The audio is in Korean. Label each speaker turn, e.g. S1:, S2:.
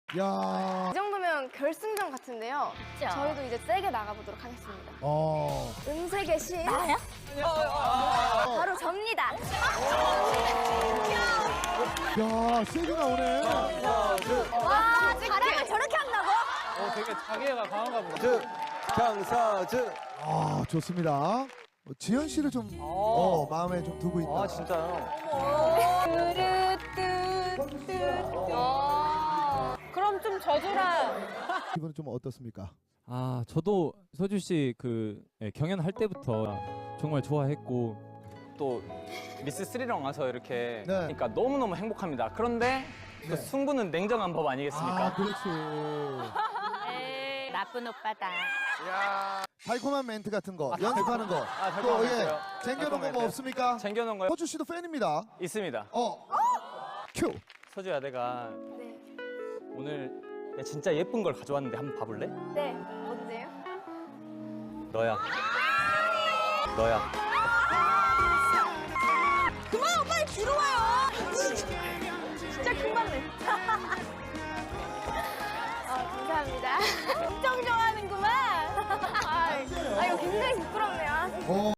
S1: 야.
S2: 이 정도면 결승전 같은데요.
S3: 그쵸?
S2: 저희도 이제 세게 나가보도록 하겠습니다.
S1: 어.
S2: 음색의 신
S3: 나야?
S2: 바로 접니다.
S1: 야, 세게 나오네.
S3: 와, 바람을 저렇게 한다고?
S4: 되게 자기애가 강한가 보다.
S5: 강사즈.
S1: 아, 좋습니다. 지현 씨를 좀 마음에 좀 두고 있다.
S4: 아, 진짜요?
S3: 그럼 좀 져주라.
S1: 기분은 좀 어떻습니까?
S6: 아, 저도 서주 씨 경연할 때부터 정말 좋아했고
S4: 또 미스 스리랑 와서 이렇게
S1: 네.
S4: 그러니까 너무너무 행복합니다. 그런데 또 승부는 냉정한 법 아니겠습니까?
S1: 아, 그렇지.
S3: 에이, 나쁜 오빠다.
S1: 달콤한 멘트 같은 거, 연습하는 거.
S4: 달콤한
S1: 또,
S4: 멘트요?
S1: 챙겨놓은
S4: 달콤한
S1: 거 뭐
S4: 멘트.
S1: 없습니까?
S4: 챙겨놓은 거요?
S1: 서주 씨도 팬입니다.
S4: 있습니다.
S1: 큐.
S4: 서주야, 내가
S2: 네.
S4: 오늘 내가 진짜 예쁜 걸 가져왔는데 한번 봐볼래?
S2: 네. 뭔데요?
S4: 너야. 너야.
S3: 그만, 빨리 들어와요.
S2: 진짜 큰 받네. 감사합니다.
S3: 엄청 좋아하는구만.
S2: 아, 이거 굉장히 부끄럽네요.